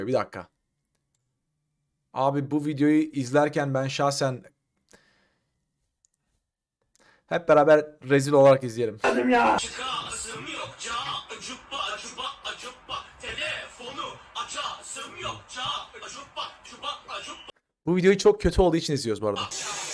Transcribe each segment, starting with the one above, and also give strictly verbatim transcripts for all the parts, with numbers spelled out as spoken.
Bir dakika. Abi bu videoyu izlerken ben şahsen hep beraber rezil olarak izleyelim. Dedim ya. Çıkasım yok ca cuppa cuppa cuppa telefonu açasım yok ca cuppa cuppa cuppa. Bu videoyu çok kötü olduğu için izliyoruz bu arada.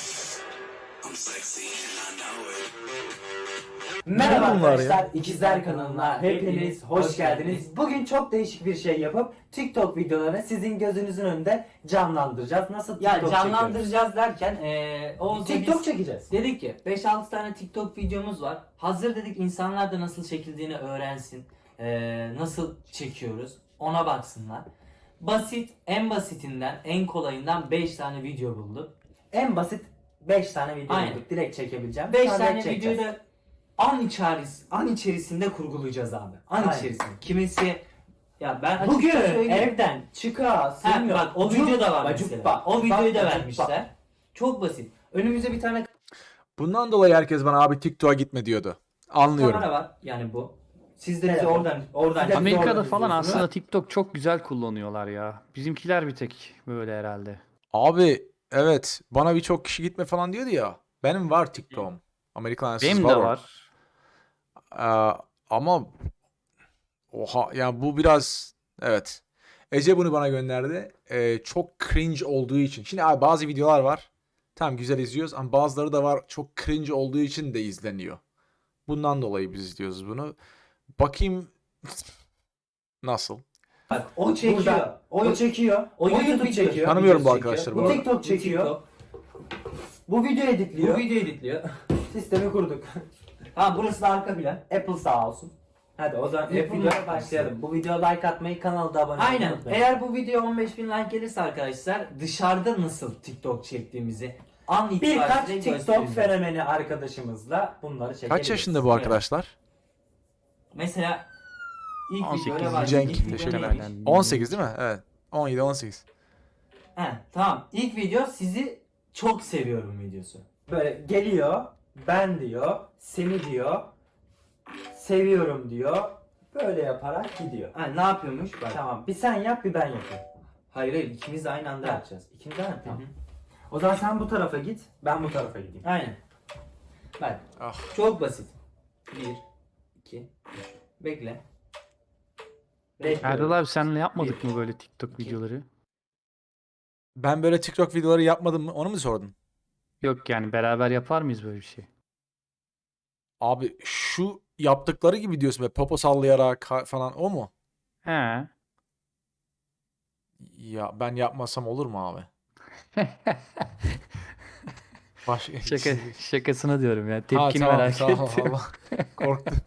Merhaba Ne bunlar arkadaşlar, ya? İkizler kanalına hepiniz hoş geldiniz. Bugün çok değişik bir şey yapıp TikTok videolarını sizin gözünüzün önünde canlandıracağız. Nasıl Ya TikTok çekiyoruz? canlandıracağız derken eee Oğuz'la TikTok biz çekeceğiz. dedik ki beş altı tane TikTok videomuz var. Hazır dedik insanlar da nasıl çekildiğini öğrensin. Eee, nasıl çekiyoruz ona baksınlar. Basit, en basitinden en kolayından beş tane video bulduk. En basit beş tane video Aynen. bulduk. Direkt çekebileceğim. beş Sonra tane direkt çekeceğiz. videoyu da an içeris an içerisinde kurgulayacağız abi. An Aynen. içerisinde. Kimisi ya ben açıkça Bugün söyleyeyim. evden çıkasım Ha, yok. bak o Cup, video da var bacuk, mesela. bak, O videoyu da bak, bacuk, vermişler. Çok basit. Önümüze bir tane Bundan dolayı herkes bana abi TikTok'a gitme diyordu. Anlıyorum. kamera var yani bu. Siz de bizi Telefon. oradan oradan Siz de- Amerika'da Doğru falan diyorsunuz. aslında TikTok çok güzel kullanıyorlar ya. Bizimkiler bir tek böyle herhalde. Abi evet bana birçok kişi gitme falan diyordu ya. Benim var TikTok'um. Amerikan Benim var. de var. Ee, ama oha yani bu biraz evet. Ece bunu bana gönderdi. Ee, çok cringe olduğu için. Şimdi abi bazı videolar var. Tamam güzel izliyoruz ama bazıları da var çok cringe olduğu için de izleniyor. Bundan dolayı biz izliyoruz bunu. Bakayım nasıl? bak o çekiyor. Burada. O, O çekiyor. O YouTube YouTube çekiyor. çekiyor. Tanımıyorum bu video arkadaşları çekiyor. bu Bu arada. TikTok çekiyor. TikTok. Bu video editliyor. Bu video editliyor. Sistemi kurduk. Ha burası da arka plan. Apple sağ olsun. Hadi o zaman ilk Apple'la videoya başlayalım. Bu videoya like atmayı, kanala da abone olmayı Aynen. unutmayın. Eğer bu video on beş bin like gelirse arkadaşlar dışarıda nasıl TikTok çektiğimizi an itibariyle Birkaç TikTok göstereceğiz. fenomeni arkadaşımızla bunları çekebiliriz. Kaç yaşında bu arkadaşlar? Mesela ilk on sekiz videoya başlayalım. Cenk, İlk video teşekkür neymiş? ederim. on sekiz değil mi? Evet. on yedi on sekiz. He, tamam. İlk video sizi çok seviyorum videosu. Böyle geliyor, ben diyor, seni diyor, seviyorum diyor. Böyle yaparak gidiyor. Ha, ne yapıyormuş? Bak. Tamam, bir sen yap, bir ben yapayım. Hayır hayır ikimiz de aynı anda Ha. yapacağız. İkimiz de mi? Tamam. Hı hı. O zaman sen bu tarafa git, ben bu tarafa gideyim. Aynen. Bak. Ah. Çok basit. Bir, iki, üç. Bekle. Erdal abi senle yapmadık mı böyle TikTok İki. videoları? Ben böyle TikTok videoları yapmadım mı? Onu mu sordun? Yok yani beraber yapar mıyız böyle bir şey? Abi şu yaptıkları gibi diyorsun be popo sallayarak ha- falan o mu? He. Ya ben yapmasam olur mu abi? Baş... Şaka, şakasına diyorum ya. Ha, Tepkini tamam, merak tamam, ettim. Allah. Korktum.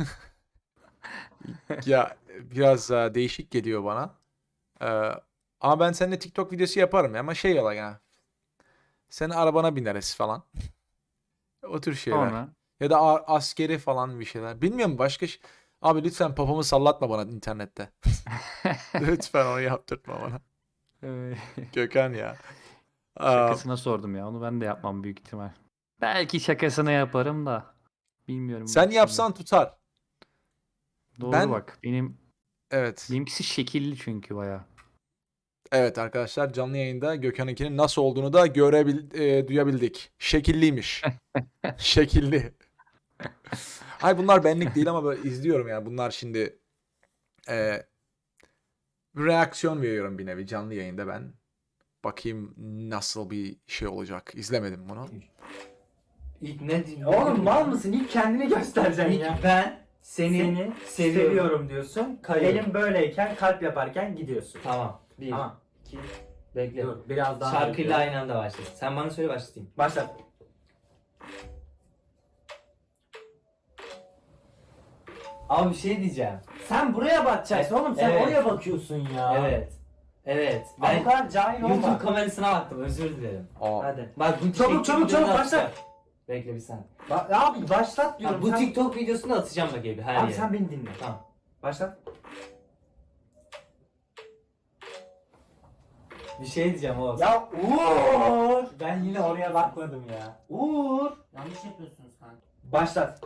Ya biraz e, değişik geliyor bana. Ee, ama ben seninle TikTok videosu yaparım ya. Ama şey yola ya. Senin arabana bineriz falan. O tür şeyler. Sonra. Ya da a- askeri falan bir şeyler. Bilmiyorum başka şey. Abi lütfen popomu sallatma bana internette. Lütfen onu yaptırtma bana. Ee, Gökhan ya. Aa, Şakasına sordum ya. Onu ben de yapmam büyük ihtimal. Belki şakasına yaparım da. Bilmiyorum. sen bak yapsan tutar. şimdi. Doğru ben- bak. Benim Evet. benimkisi şekilli çünkü baya. Evet arkadaşlar canlı yayında Gökhan'ınkinin nasıl olduğunu da görebil e, duyabildik. Şekilliymiş. Şekilli. Hayır bunlar benlik değil ama böyle izliyorum yani. Bunlar şimdi e, reaksiyon veriyorum bir nevi canlı yayında ben. Bakayım nasıl bir şey olacak. İzlemedim bunu. İlk ne diyeyim? Oğlum mal mısın? İlk kendini göstereceksin İlk ya. ben seni, Seni seviyorum. seviyorum, diyorsun. Kayıyorum. Elim böyleyken, kalp yaparken gidiyorsun. Tamam. Bir, Tamam. iki, bekle. Dur, biraz daha. Şarkıyla aynı anda başla. Sen bana söyle başlatayım. Başla. Abi bir şey diyeceğim. Sen buraya bakacaksın oğlum, sen Evet. oraya bakıyorsun ya. Evet. Evet. Ben Ben bu kadar cahil olma. YouTube kamerasına baktım özür dilerim. Aa, Hadi. Bak bu Çabuk, TikTok çabuk, videosunu çabuk, atacağım. başla. Bekle bir saniye. Ba- abi başlat diyorum. Ya bu sen... TikTok videosunu atacağım bak abi her Abi yere. sen beni dinle. Tamam. Başlat. Bir şey diyeceğim oğlum. Ya Uğur! Ben yine oraya bakmadım ya. Uğur! Yanlış yapıyorsunuz kanka. Başlat.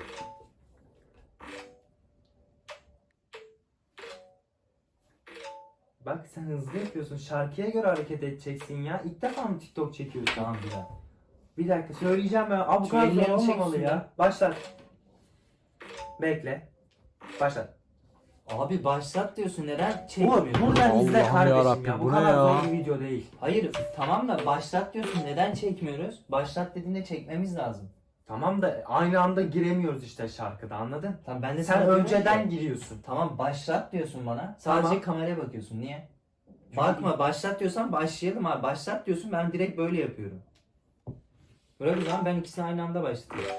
Bak sen hızlı yapıyorsun. Şarkıya göre hareket edeceksin ya. İlk defa mı TikTok çekiyorsun? Tamam bir dakika. Bir dakika söyleyeceğim ben. Abi bu Şu kadar zor ellerini olmamalı çek ya. Başlat. Bekle. Başlat. Abi başlat diyorsun, neden Umut çekmiyorsun? buradan izle Allah'ım kardeşim yarabbim, ya. Bu bu ne kadar ya? zor bir video değil. Hayır tamam da başlat diyorsun, neden çekmiyoruz? Başlat dediğinde çekmemiz lazım. Tamam da aynı anda giremiyoruz işte şarkıda, anladın? Tamam ben de Sen sana diyorum önceden ki, giriyorsun. tamam başlat diyorsun bana. Sadece Tamam. kameraya bakıyorsun. Niye? Bakma, başlat diyorsan başlayalım abi. Başlat diyorsun, ben direkt böyle yapıyorum. Böyle bir zaman ben ikisini aynı anda başlatıyorum.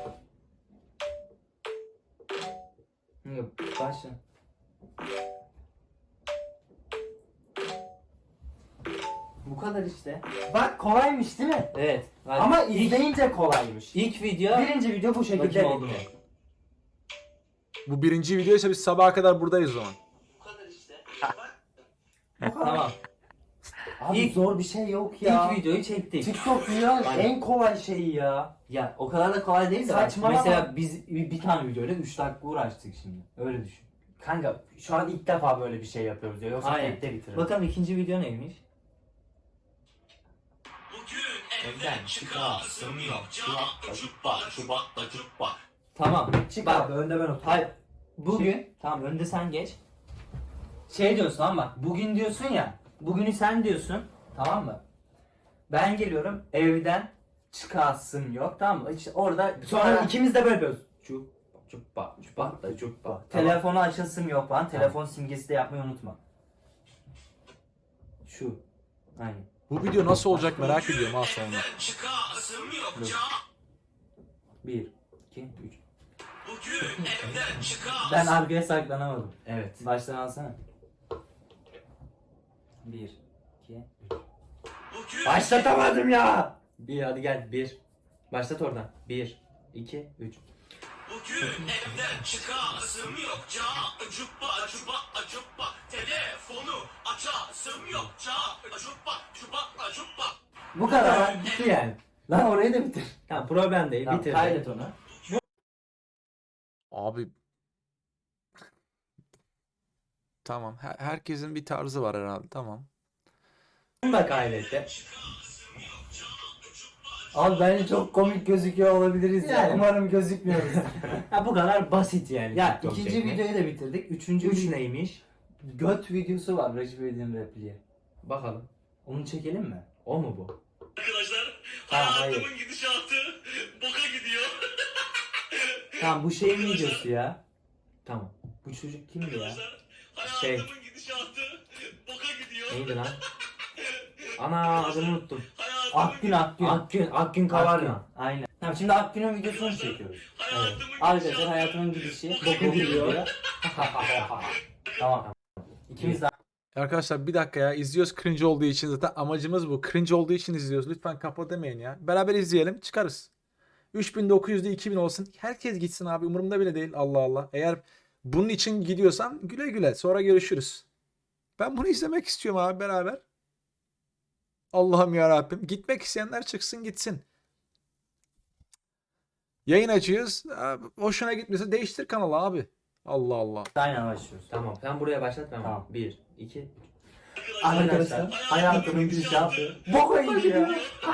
Yok, başla. Bu kadar işte. Bak kolaymış değil mi? Evet. Hadi. Ama ilk, izleyince kolaymış. ilk video Birinci video bu şekilde bakayım oldu mu? bitti. Bu birinci videoysa biz sabaha kadar buradayız o zaman. Bu kadar işte. Tamam. Abi İlk- zor bir şey yok ya. İlk videoyu çektik. TikTok dünyanın Aynen. en kolay şeyi ya. Ya o kadar da kolay değil de bak, Saçmalama. mesela biz bir, bir tane videoyla üç dakika uğraştık şimdi. Öyle düşün. Kanka şu an ilk defa böyle bir şey yapıyoruz ya. Yoksa Aynen. tekte bitiririz. Bakalım ikinci video neymiş? Bugün evden çıkasım yok. Cuppa cuppa cuppa cuppa. Tamam. Çık Bak, abi önde ben oturayım. hayır. Bugün tamam önde sen geç. Şey diyorsun ama bugün diyorsun ya. Bugünü sen diyorsun. Tamam mı? Ben geliyorum evden çıkasım yok. Tamam mı? İşte orada Sonra ikimiz de böyle yapıyoruz. Çup çuppa çuppa da çuppa. Tamam. Telefonu açılsın yok falan. Telefon simgesi de yapmayı unutma. Şu. Aynen. Bu video nasıl olacak merak ediyorum ha sonra. Evden çıkasım yok. Dur. Ca- Bir, iki, üç. Bugün evden çıkasım. Ben arkaya saklanamadım. Evet. Baştan alsana. Bir, iki, üç. Bugün Başlatamadım ya. Bir hadi gel bir. Başlat oradan. Bir, iki, üç. Bugün evden çıkasım yok. Ca- cuppa cuppa cuppa. Telefonu açasım yok. Ca- cuppa cuppa cuppa. Bu kadar bitti yani. Lan orayı da bitir. Tamam problem değil. Tamam, Bitir. kaydet onu. Abi tamam. Her- herkesin bir tarzı var herhalde. Tamam. Bunu da kaydetti. Abi bence çok komik gözüküyor olabiliriz ya. Yani. Umarım gözükmüyoruz. Ha bu kadar basit yani. Ya TikTok ikinci çekmek. videoyu da bitirdik. Üçüncü Üç video- neymiş? Göt videosu var Recep İvedik'in repliği. Bakalım. Onu çekelim mi? O mu bu? Arkadaşlar Ha, hayatımın gidişatı boka gidiyor. Tamam bu şeyin videosu ya. Tamam. Bu çocuk kimdi ya? Arkadaşlar Şey. hayatımın gidişatı boka gidiyor. Neydi lan? Ana adını unuttum. Hayatımın Akgün Akgün. Akgün, Akgün Akgün. Kavarna. Aynen. Tamam şimdi Akgün'ün videosunu çekiyoruz. hayatımın Arkadaşlar gidişatı hayatımın gidişi. boka Boku gidiyor. gidiyor. Tamam. İkimiz de Arkadaşlar bir dakika ya. İzliyoruz cringe olduğu için zaten amacımız bu. Cringe olduğu için izliyoruz. Lütfen kapa demeyin ya. Beraber izleyelim. Çıkarız. üç bin dokuz yüzde iki bin olsun. Herkes gitsin abi. Umurumda bile değil. Allah Allah. Eğer bunun için gidiyorsan güle güle. Sonra görüşürüz. Ben bunu izlemek istiyorum abi beraber. Allah'ım ya Rabbim. Gitmek isteyenler çıksın gitsin. Yayın açıyoruz. Abi, hoşuna gitmese değiştir kanalı abi. Allah Allah. aynen başlıyoruz. Tamam sen buraya başlat ben. Tamam. Bir, iki. Arkadaşlar hayatımın gidişatı. Boka gidiyor.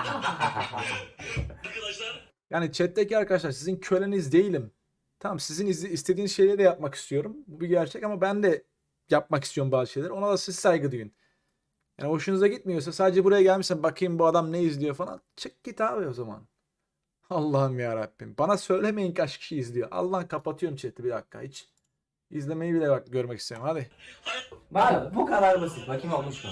Arkadaşlar Yani chat'teki arkadaşlar sizin köleniz değilim. Tamam sizin iz- istediğiniz şeyleri de yapmak istiyorum. Bu bir gerçek ama ben de yapmak istiyorum bazı şeyler. Ona da siz saygı duyun. Yani hoşunuza gitmiyorsa sadece buraya gelmişsen bakayım bu adam ne izliyor falan. Çık git abi o zaman. Allah'ım ya Rabbim. Bana söylemeyin kaç kişi izliyor. Allah'ım kapatıyorum chat'i bir dakika hiç. İzlemeyi bile bak görmek istiyorum. Hadi. Bak bu kadar basit. Bakayım olmuş mu?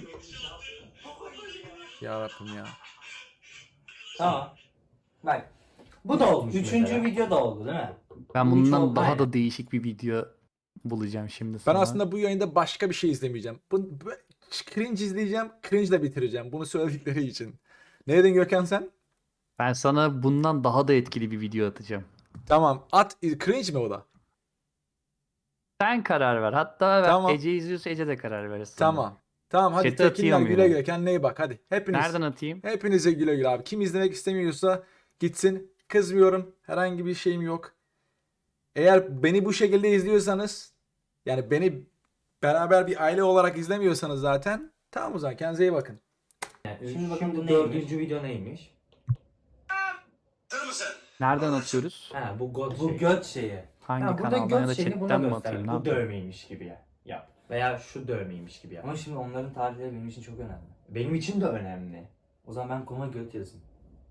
Ya Rabbim ya. Tamam. Bak. Bu da olmuş Üçüncü mesela. video da oldu değil mi? Ben Bu üç bundan oldu, daha aynen. da değişik bir video bulacağım şimdi Ben sana. aslında bu yayında başka bir şey izlemeyeceğim. Bu, bu cringe izleyeceğim. Cringe ile bitireceğim. Bunu söyledikleri için. Ne dedin Gökhan sen? Ben sana bundan daha da etkili bir video atacağım. Tamam. At cringe mi o da? Sen karar ver. Hatta Tamam. Ece izliyorsa Ece de karar verir sana. Tamam. Tamam hadi Chat'e tekinler atayım güle yani. güle. Kendine iyi bak hadi. Hepiniz. Nereden atayım? Hepinize güle güle abi. Kim izlemek istemiyorsa gitsin. Kızmıyorum. Herhangi bir şeyim yok. Eğer beni bu şekilde izliyorsanız yani beni beraber bir aile olarak izlemiyorsanız zaten tamam o zaman kendinize iyi bakın. Şimdi bakın bu neymiş? dördüncü video neymiş? Hazır mısın? Nereden atıyoruz? Ha bu god Bu şey. göt şeyi. Hangi Ha, burada kanaldan ya da göt şeyini buna chatten mi göster. atayım? Ne Bu yapayım? dövmeymiş gibi ya- yap. Veya şu dövmeymiş gibi yap. Ama şimdi onların tarihleri benim için çok önemli. Benim için de önemli. O zaman ben konuma göt yazayım.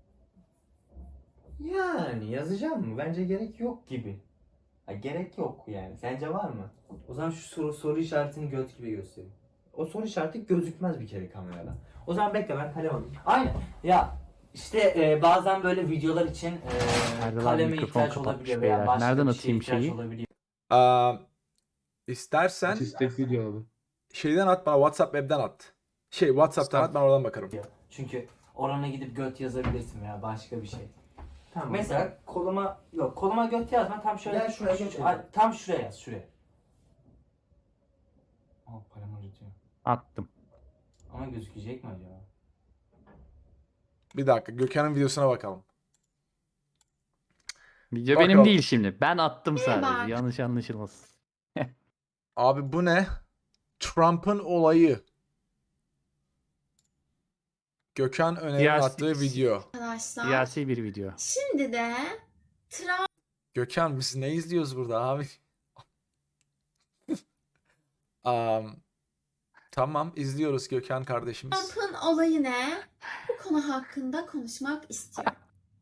Yani yazacağım mı? Bence gerek yok gibi. Ha, gerek yok yani. Sence var mı? O zaman şu soru, soru işaretini göt gibi göstereyim. O soru işareti gözükmez bir kere kamerada. O zaman bekle ben kalem alayım. Aynen. Ya işte e, bazen böyle videolar için e, Erdal abi kaleme mikrofon ihtiyaç kapatmış olabiliyor beyler. veya başka Nereden bir şeye atayım ihtiyaç şeyi? olabiliyor. Aa, istersen İstek video abi. şeyden at bana WhatsApp web'den at. Şey WhatsApp'tan at ben oradan bakarım. Çünkü orana gidip göt yazabilirsin veya başka bir şey. Tamam. Mesela koluma yok koluma göt yazma tam şöyle Gel şuraya şu- göt şu- yaz. tam şuraya yaz şuraya. Aa kalem acıtıyor. Attım. Ama gözükecek mi acaba? Bir dakika Gökhan'ın videosuna bakalım. Video Bakalım. benim değil şimdi. Ben attım Merhaba. sadece. Yanlış anlaşılmasın. Abi bu ne? Trump'ın olayı. Gökhan Öner'in Siyasi- attığı video. Arkadaşlar. Siyasi bir video. Şimdi de Gökhan biz ne izliyoruz burada abi? Am, tamam izliyoruz Gökhan kardeşimiz. Trump'ın olayı ne? Bu konu hakkında konuşmak istiyorum.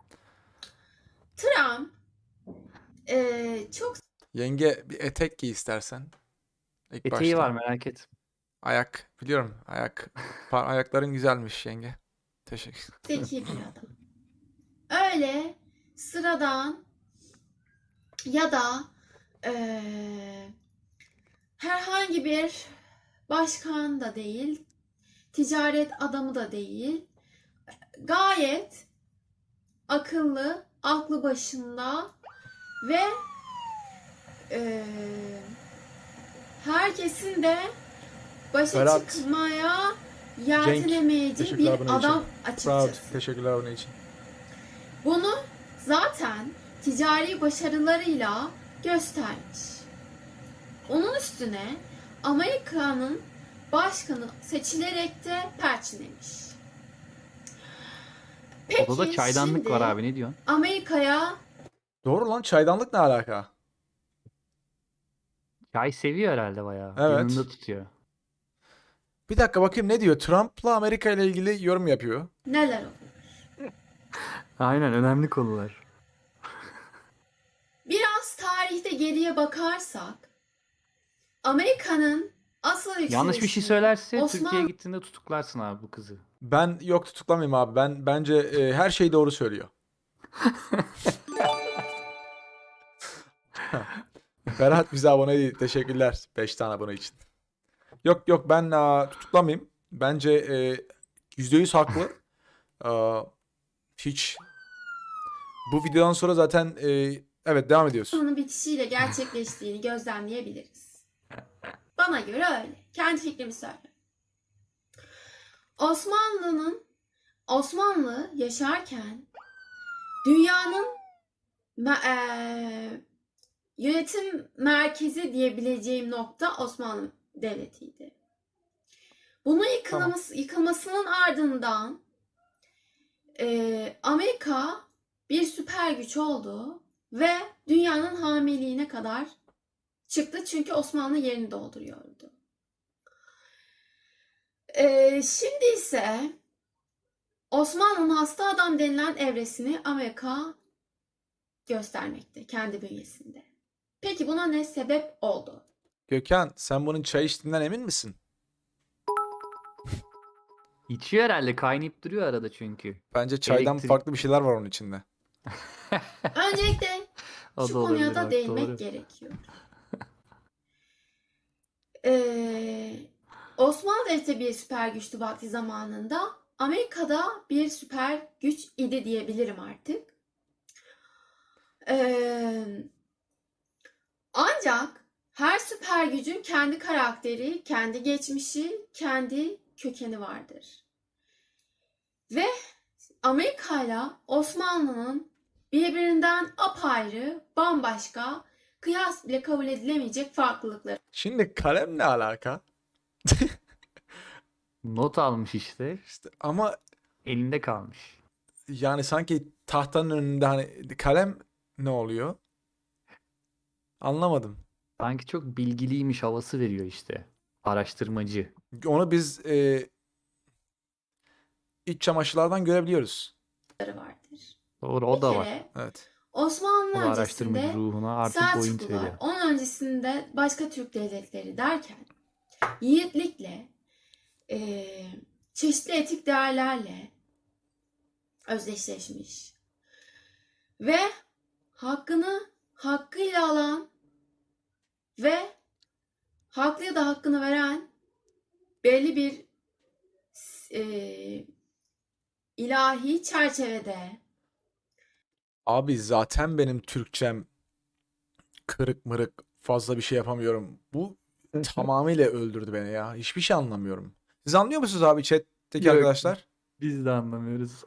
Trump eee, çok Yenge bir etek giy istersen. İlk Eteği başta. var merak et. Ayak biliyorum ayak. Pa- ayakların güzelmiş yenge. Teşekkür. zeki bir adam. Öyle sıradan ya da eee, herhangi bir başkan da değil, ticaret adamı da değil. Gayet akıllı, aklı başında ve eee, herkesin de başa Berat, çıkmaya yeltenemeyeceği teşekkürler bir bunun adam için. açıkçası. Proud. Teşekkürler bunun için. Bunu zaten ticari başarılarıyla göstermiş. Onun üstüne Amerika'nın başkanı seçilerek de perçinlemiş. Peki Odada çaydanlık şimdi var abi ne diyorsun? Amerika'ya Doğru lan çaydanlık ne alaka? Çay seviyor herhalde bayağı. Evet. Yanında tutuyor. Bir dakika bakayım ne diyor? Trump'la Amerika ile ilgili yorum yapıyor. neler oluyor? Aynen önemli konular. Biraz tarihte geriye bakarsak Amerika'nın asıl Yanlış bir şey yükselişi söylerse Osman- Türkiye'ye gittiğinde tutuklarsın abi bu kızı. Ben yok tutuklamayayım abi. Ben bence e, her şeyi doğru söylüyor. Berat bize abone değil. Teşekkürler beş tane abone için. Yok yok ben aa, tutuklamayayım. Bence e, yüzde yüz haklı. Aa, hiç bu videodan sonra zaten e, evet devam ediyoruz. Osmanlı'nın bitişiyle gerçekleştiğini gözlemleyebiliriz. Bana göre öyle. Kendi fikrimi söylüyorum. Osmanlı'nın Osmanlı yaşarken dünyanın me- eee, yönetim merkezi diyebileceğim nokta Osmanlı Devleti'ydi. Bunun yıkılması, yıkılmasının ardından eee, Amerika bir süper güç oldu ve dünyanın hamiliğine kadar çıktı çünkü Osmanlı yerini dolduruyordu. Ee, şimdi ise Osmanlı'nın hasta adam denilen evresini Amerika göstermekte kendi bünyesinde. Peki buna ne sebep oldu? Gökhan sen bunun çay içtiğinden emin misin? İçiyor herhalde kaynayıp duruyor arada çünkü. Bence çaydan Elektrik. farklı bir şeyler var onun içinde. Öncelikle O şu da konuya olabilir da bak, değinmek doğru. gerekiyor. Ee, Osmanlı Devleti bir süper güçtü vakti zamanında. Amerika'da bir süper güç idi diyebilirim artık. Ee, ancak her süper gücün kendi karakteri, kendi geçmişi, kendi kökeni vardır. Ve Amerika ile Osmanlı'nın birbirinden apayrı, bambaşka kıyas bile kabul edilemeyecek farklılıkları Şimdi kalem ne alaka? Not almış işte. İşte ama Elinde kalmış. yani sanki tahtanın önünde hani kalem ne oluyor? Anlamadım. Sanki çok bilgiliymiş havası veriyor işte. Araştırmacı. Onu biz e, iç çamaşırlardan görebiliyoruz. vardır. Doğru, o Bir da var. kere Evet. Osmanlı O da araştırmacı öncesinde ruhuna artık boyun Selçuklular, veriyor. onun öncesinde başka Türk devletleri derken yiğitlikle, eee, çeşitli etik değerlerle özdeşleşmiş ve hakkını hakkıyla alan ve haklıya da hakkını veren belli bir eee, ilahi çerçevede Abi zaten benim Türkçem kırık mırık fazla bir şey yapamıyorum. Bu tamamıyla öldürdü beni ya. Hiçbir şey anlamıyorum. Siz anlıyor musunuz abi chat'teki Yok. arkadaşlar? Biz de anlamıyoruz.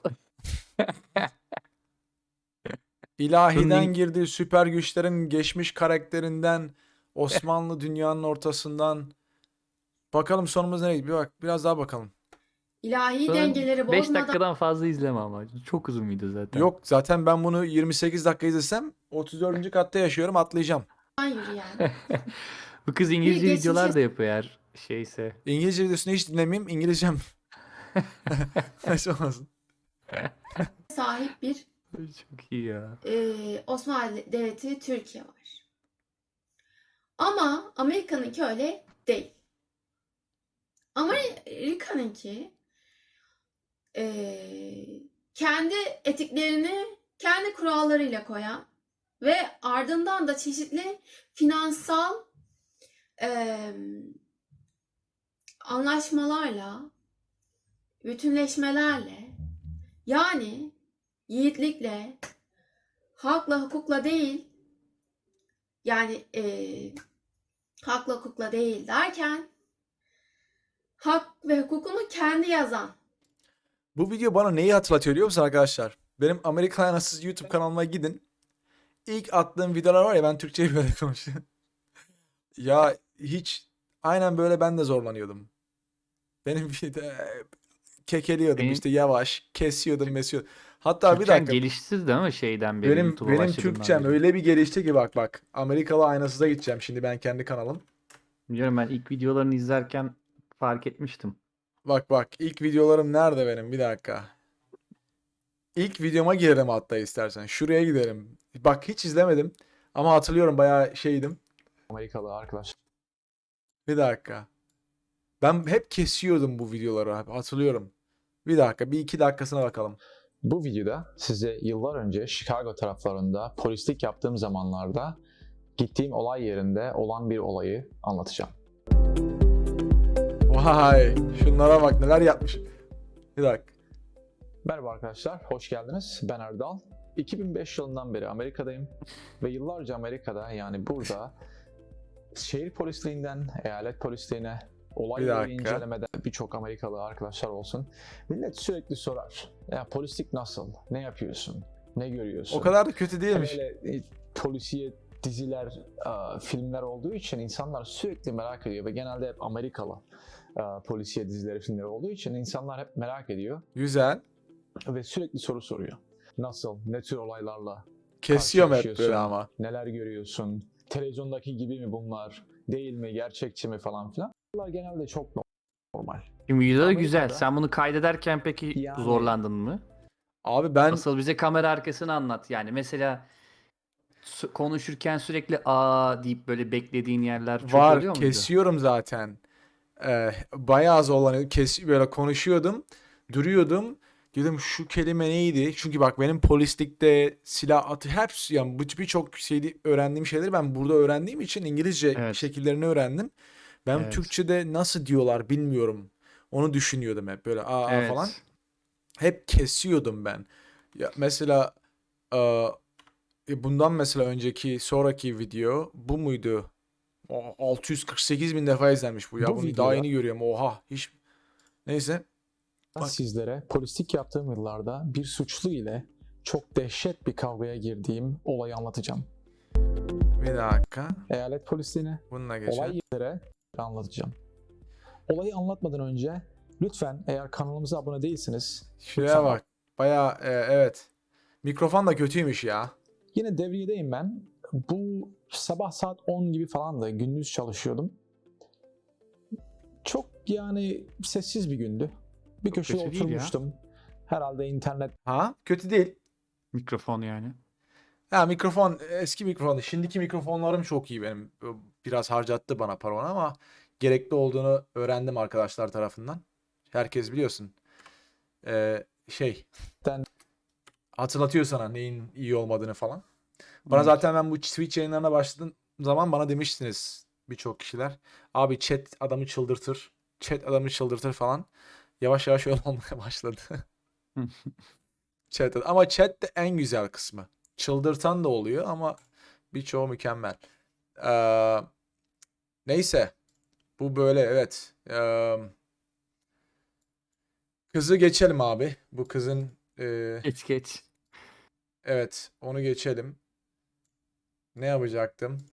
İlahiden Bunun- girdi, süper güçlerin geçmiş karakterinden, Osmanlı dünyanın ortasından. Bakalım sonumuz nereye gidiyor? Bir bak, biraz daha bakalım. ilahi Sonra dengeleri beş bozmadan dakikadan fazla izleme ama. Çok uzun video zaten. Yok zaten ben bunu yirmi sekiz dakika izlesem otuz dördüncü katta yaşıyorum, atlayacağım. yürüyen Bu kız İngilizce geçmişe- videolar da yapıyor eğer şeyse. İngilizce videosunu hiç dinlemeyeyim. İngilizcem. Neyse olmasın. sahip bir Çok iyi ya. e, Osmanlı Devleti Türkiye var. Ama Amerika'nınki öyle değil. Amerika'nınki e, kendi etiklerini kendi kurallarıyla koyan ve ardından da çeşitli finansal e, anlaşmalarla, bütünleşmelerle, yani yiğitlikle, hakla hukukla değil, yani eee hakla hukukla değil derken hak ve hukukunu kendi yazan Bu video bana neyi hatırlatıyor biliyor musun arkadaşlar? Benim Amerikan Anasız YouTube kanalıma gidin. İlk attığım videolar var ya, ben Türkçeyi böyle konuşuyorum. Ya hiç aynen böyle ben de zorlanıyordum. Benim bir de kekeliyordum Benim- işte, yavaş kesiyordum mesiyordum. Hatta bir Türkçen dakika, gelişti değil mi şeyden beri benim YouTube'a benim başladığından Türkçem beri? öyle bir gelişti ki bak bak. Amerikalı Aynasız'a gideceğim şimdi ben, kendi kanalım. Biliyorum, ben ilk videolarını izlerken fark etmiştim. Bak bak ilk videolarım nerede benim, bir dakika. İlk videoma girelim hatta istersen. Şuraya gidelim. Bak hiç izlemedim ama hatırlıyorum, bayağı şeydim. Amerikalı arkadaş. Bir dakika. Ben hep kesiyordum bu videoları abi, hatırlıyorum. Bir dakika, bir iki dakikasına bakalım. Bu videoda size yıllar önce Chicago taraflarında polislik yaptığım zamanlarda gittiğim olay yerinde olan bir olayı anlatacağım. Vay, şunlara bak neler yapmış. Bir dakika. Merhaba arkadaşlar, hoş geldiniz. Ben Erdal. iki bin beş yılından beri Amerika'dayım ve yıllarca Amerika'da, yani burada şehir polisliğinden eyalet polisliğine, olay Bir yeri dakika. incelemede birçok Amerikalı arkadaşlar olsun. Millet sürekli sorar. Ya polislik nasıl? Ne yapıyorsun? Ne görüyorsun? O kadar da kötü değilmiş. Böyle e, polisiye diziler, e, filmler olduğu için insanlar sürekli merak ediyor ve genelde hep Amerikalı e, polisiye dizileri, filmleri olduğu için insanlar hep merak ediyor Güzel. ve sürekli soru soruyor. Nasıl, ne tür olaylarla Kesiyorum hep böyle karşılaşıyorsun? ama. Neler görüyorsun? Televizyondaki gibi mi bunlar? Değil mi? Gerçekçi mi falan filan? Bunlar genelde çok normal. Şimdi video da Amerika'da- güzel. Sen bunu kaydederken peki Yani- zorlandın mı? Abi ben Asıl bize kamera arkasını anlat. Yani mesela su- konuşurken sürekli aa deyip böyle beklediğin yerler çok var, oluyor muydu? kesiyorum zaten. Ee, bayağı zorlanıyordum. Kes, böyle konuşuyordum. Duruyordum. Dedim şu kelime neydi? Çünkü bak benim polislikte silah atı hepsi, yani bu birçok şeydi, öğrendiğim şeyleri ben burada öğrendiğim için İngilizce Evet. şekillerini öğrendim. Ben Evet. Türkçe'de nasıl diyorlar bilmiyorum. Onu düşünüyordum hep böyle aa aa Evet. falan. Hep kesiyordum ben. Ya mesela e, e, bundan mesela önceki sonraki video bu muydu? O, altı yüz kırk sekiz bin defa izlenmiş bu ya. Bu Bunu videoda- daha yeni görüyorum. Oha. Hiç. Neyse. Ben Bak. sizlere polislik yaptığım yıllarda bir suçlu ile çok dehşet bir kavgaya girdiğim olayı anlatacağım. Bir dakika. eyalet polisliğine, Bununla olay geçelim. yerlere anlatacağım. Olayı anlatmadan önce lütfen eğer kanalımıza abone değilsiniz, Şuraya lütfen bak. Baya evet. Mikrofon da kötüymüş ya. yine devriyedeyim ben. Bu sabah saat on gibi falan da gündüz çalışıyordum. Çok yani sessiz bir gündü. Bir köşeye kötü değil ya. oturmuştum. Herhalde internet Ha? Kötü değil. Mikrofon yani. Ha mikrofon eski mikrofon. Şimdiki mikrofonlarım çok iyi benim. Biraz harcattı bana paranı ama gerekli olduğunu öğrendim arkadaşlar tarafından. Herkes biliyorsun. Ee, şey Den- hatırlatıyor sana neyin iyi olmadığını falan. Bana Evet. zaten ben bu Twitch yayınlarına başladığım zaman bana demiştiniz birçok kişiler. Abi chat adamı çıldırtır. Chat adamı çıldırtır falan. Yavaş yavaş öyle olmaya başladı. Chat ama chat de en güzel kısmı. Çıldırtan da oluyor ama birçoğu mükemmel. Ee, neyse. Bu böyle evet. Ee, kızı geçelim abi. Bu kızın e, Geç geç. evet onu geçelim. Ne yapacaktım?